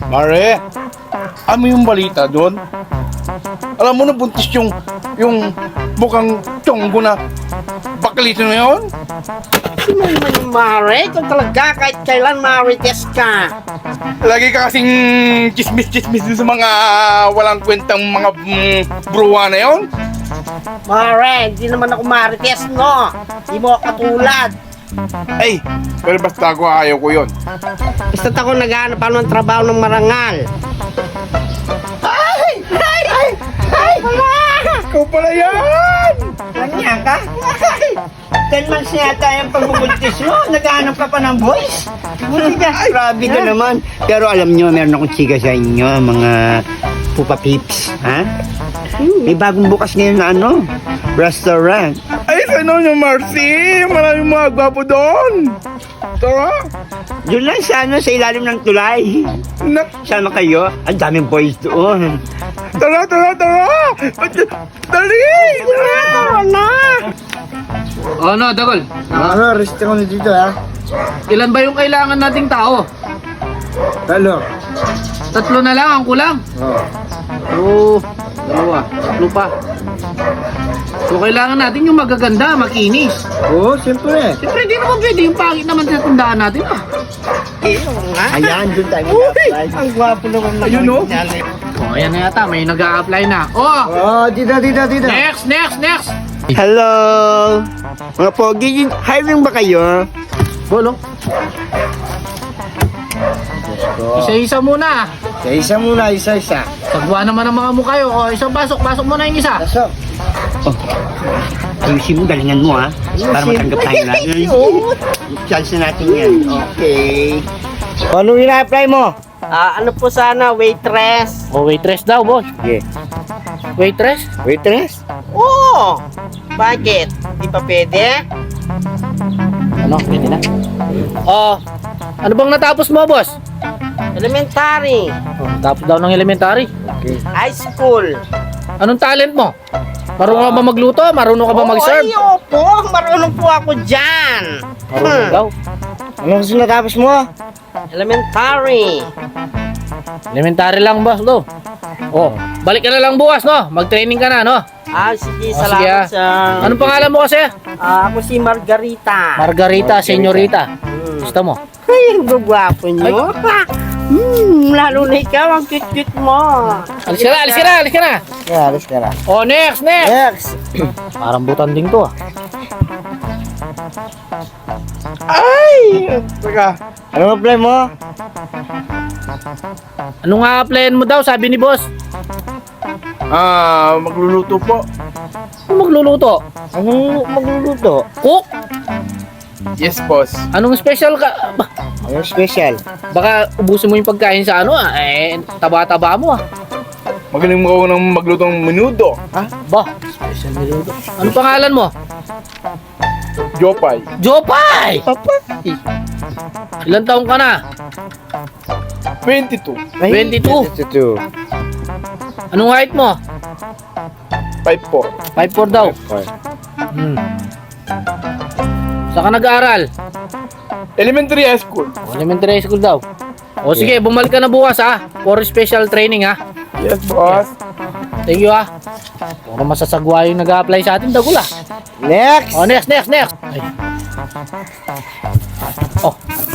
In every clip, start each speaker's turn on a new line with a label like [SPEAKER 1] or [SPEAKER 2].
[SPEAKER 1] Mare, ano yung balita doon? Alam mo na buntis yung bukang tiyonggo na bakalito na yun?
[SPEAKER 2] Sino naman yung Mare? Ikaw talaga kahit kailan marites ka.
[SPEAKER 1] Lagi ka kasing chismis-chismis dun sa mga walang kwentang mga bruwa na yun?
[SPEAKER 2] Mare, hindi naman ako marites, no? Hindi mo ako katulad.
[SPEAKER 1] Ay, pero basta ako ayaw ko yun.
[SPEAKER 2] Basta't ako naghahanap ako ng trabaho ng marangal. Ay! Ay! Ay! Ay! Wala!
[SPEAKER 1] Ikaw pala yan!
[SPEAKER 2] Kanya ka? Ay! 10 months na yata yung pagbubuntis mo. Naghahanap ka pa ng boys. Buti ka. Grabe ka naman. Pero alam nyo, meron akong chika sa inyo, mga pupa peeps. Ha? May bagong bukas ngayon na ano, restaurant.
[SPEAKER 1] Ay, sano nyo, Marcy? Maraming mga gwapo doon. Tara.
[SPEAKER 2] Yun lang sa ano, sa ilalim ng tulay. Sama kayo, ang daming boys doon.
[SPEAKER 1] Tara! Dali!
[SPEAKER 2] Tara na!
[SPEAKER 3] O ano, Dagol?
[SPEAKER 4] Ano, rest ako na dito ha.
[SPEAKER 3] Ilan ba yung kailangan nating tao?
[SPEAKER 4] Talo.
[SPEAKER 3] 3 na lang ang kulang.
[SPEAKER 4] Oo.
[SPEAKER 3] Oo, 2, 3 pa. So kailangan natin yung magaganda, makinis.
[SPEAKER 4] Oo, siyempre.
[SPEAKER 3] Siyempre hindi naman pwede yung pangit naman sa tundaan natin ah.
[SPEAKER 4] Ayan, doon tayo
[SPEAKER 2] Uy!
[SPEAKER 4] mag-apply.
[SPEAKER 2] Ang gwapo naman na.
[SPEAKER 1] Ayun, no?
[SPEAKER 3] O ayan na yata, may nag-a-apply na. Oh!
[SPEAKER 4] Oo, dito.
[SPEAKER 3] Next!
[SPEAKER 2] Hello! Mga pogi, hiring ba kayo?
[SPEAKER 3] Bolo. Isa-isa muna.
[SPEAKER 4] Isa muna, isa-isa.
[SPEAKER 3] Sagwa naman ang mga mukha yun. O, isang pasok muna yung isa.
[SPEAKER 4] Pasok.
[SPEAKER 2] Ayusin mo, galingan mo ha. Para matanggap tayo na. Chance na natin yan. Okay.
[SPEAKER 4] Ano ina-apply mo?
[SPEAKER 2] Ano po sana, waitress?
[SPEAKER 3] O, waitress daw, boss.
[SPEAKER 4] Yeah.
[SPEAKER 3] Waitress?
[SPEAKER 4] Waitress?
[SPEAKER 2] Oo! Bakit? Di pa pwede?
[SPEAKER 3] Ano, pwede na. Ano bang natapos mo, boss?
[SPEAKER 2] Elementary.
[SPEAKER 3] Tapos daw ng elementary.
[SPEAKER 4] Okay.
[SPEAKER 2] High school.
[SPEAKER 3] Anong talent mo? Marunong ka ba magluto? Marunong ka ba mag-serve?
[SPEAKER 2] Ay, opo. Marunong po ako dyan.
[SPEAKER 3] Marunong daw.
[SPEAKER 4] Ano kasi natapos mo?
[SPEAKER 2] Elementary.
[SPEAKER 3] Elementary lang, boss, do. Oh, balik ka na lang bukas, no? Mag-training ka na, no?
[SPEAKER 2] Sige,
[SPEAKER 3] Sige,
[SPEAKER 2] salamat sa...
[SPEAKER 3] Anong pangalan mo kasi?
[SPEAKER 2] Ako si Margarita.
[SPEAKER 3] Margarita, senyorita. Gusto mo?
[SPEAKER 2] Ay, ang gagwapo nyo. Lalo na ikaw, ang cute-cute mo.
[SPEAKER 3] Alis ka na.
[SPEAKER 4] Yeah, alis ka na.
[SPEAKER 3] Oh, next.
[SPEAKER 4] Next.
[SPEAKER 3] Parang butanding to, ah.
[SPEAKER 1] Ay! Teka.
[SPEAKER 4] Ano apply mo?
[SPEAKER 3] Ano nga applyan mo daw, sabi ni boss?
[SPEAKER 1] Magluluto po.
[SPEAKER 3] Ano magluluto?
[SPEAKER 4] Anong magluluto?
[SPEAKER 3] Cook?
[SPEAKER 1] Yes, boss.
[SPEAKER 3] Anong special ka?
[SPEAKER 4] Anong special?
[SPEAKER 3] Baka ubusin mo yung pagkain sa ano, ah. Taba-taba mo, ah.
[SPEAKER 1] Magaling mo ako ng maglutong menudo.
[SPEAKER 3] Ba, special niluto. Anong pangalan mo?
[SPEAKER 1] Jopay.
[SPEAKER 3] Jopay! Ilan taong ka na?
[SPEAKER 1] 22.
[SPEAKER 3] 22.
[SPEAKER 4] 22.
[SPEAKER 3] Anong height mo?
[SPEAKER 1] 5'4".
[SPEAKER 3] 5'4 daw. Saan ka nag-aaral?
[SPEAKER 1] Elementary high school.
[SPEAKER 3] Elementary school daw. O sige, bumalik ka na bukas ha. For special training ha.
[SPEAKER 1] Yes, boss.
[SPEAKER 3] Thank you ha. Puro masasagwa yung nag-a-apply sa atin, dagul ha.
[SPEAKER 4] Next.
[SPEAKER 3] O, next. Ay. Oh,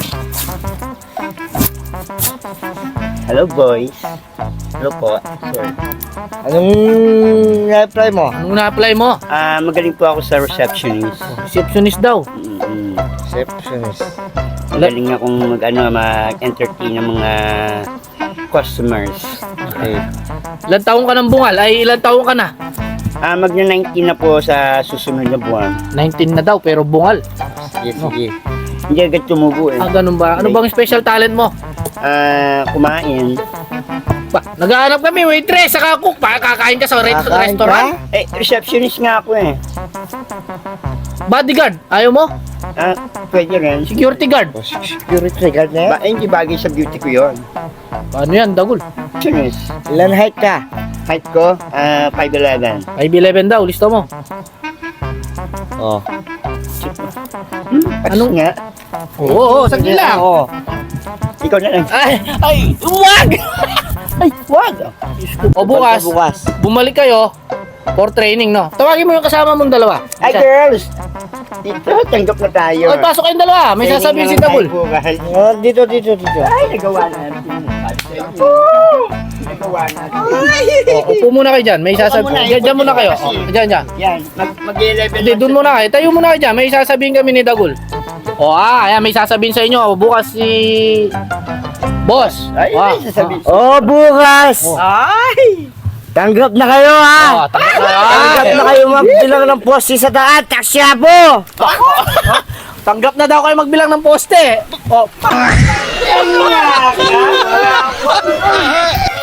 [SPEAKER 4] Hello, boys. Hello po, sir. Anong na-apply mo?
[SPEAKER 3] anong na-apply mo?
[SPEAKER 2] Magaling po ako sa receptionist.
[SPEAKER 3] Receptionist daw.
[SPEAKER 4] Receptionist.
[SPEAKER 2] Magaling akong mag-entertain ng mga customers.
[SPEAKER 4] Okay.
[SPEAKER 3] Ilan taong ka ng bungal? Ay, ilan taong ka na?
[SPEAKER 2] Magna-19 na po sa susunod na buwan.
[SPEAKER 3] 19 na daw, pero bungal.
[SPEAKER 4] Sige.
[SPEAKER 2] Hindi agad tumubo eh.
[SPEAKER 3] Ganun ba? Ano bang special talent mo?
[SPEAKER 2] Kumain.
[SPEAKER 3] Ba, naghahanap kami, waitress, saka cook. Kakain ka sa
[SPEAKER 4] Kakain
[SPEAKER 3] restaurant?
[SPEAKER 2] Receptionist nga ako eh.
[SPEAKER 3] Bodyguard, ayaw mo?
[SPEAKER 2] Pwede rin.
[SPEAKER 3] Security guard.
[SPEAKER 4] Security guard na yan?
[SPEAKER 2] Hindi bagay sa beauty ko yun.
[SPEAKER 3] Paano yan, dagul?
[SPEAKER 2] Receptionist.
[SPEAKER 4] Ilan height ka?
[SPEAKER 2] Height ko, 5'11".
[SPEAKER 3] 5'11 daw, listo mo.
[SPEAKER 4] Oh.
[SPEAKER 2] Anong nga?
[SPEAKER 3] Oo, saglit lang.
[SPEAKER 4] Oo.
[SPEAKER 2] Ikaw na lang.
[SPEAKER 3] Ay, wag!
[SPEAKER 2] Ay, wag.
[SPEAKER 3] O bukas,
[SPEAKER 4] Bukas.
[SPEAKER 3] bumalik kayo for training, no? Tawagin mo yung kasama mong dalawa.
[SPEAKER 2] Ay, girls. Dito, tanggap na tayo.
[SPEAKER 3] Oy, pasok kayong dalawa. May sasabihin si Dagul.
[SPEAKER 4] Oh, dito.
[SPEAKER 2] Ay, nagawa natin. Nagawa natin.
[SPEAKER 3] O, upo muna kayo dyan. May
[SPEAKER 2] Upo
[SPEAKER 3] sasabihin.
[SPEAKER 2] muna,
[SPEAKER 3] Dyan muna kayo.
[SPEAKER 2] kasi.
[SPEAKER 3] O, dyan.
[SPEAKER 2] Yan, mag-level.
[SPEAKER 3] Hindi, doon muna kayo. Tayo muna kayo dyan. May sasabihin kami ni Dagul. O, ayan, may sasabihin sa inyo. Bukas si... Boss.
[SPEAKER 2] Ay,
[SPEAKER 3] Ah,
[SPEAKER 2] may sasabihin.
[SPEAKER 4] Oh, bukas.
[SPEAKER 2] Ay!
[SPEAKER 4] Tanggap na kayo, ha? Tanggap na kayo magbilang ng poste sa daan. Taksya po.
[SPEAKER 3] Tanggap na daw kayo magbilang ng poste. O,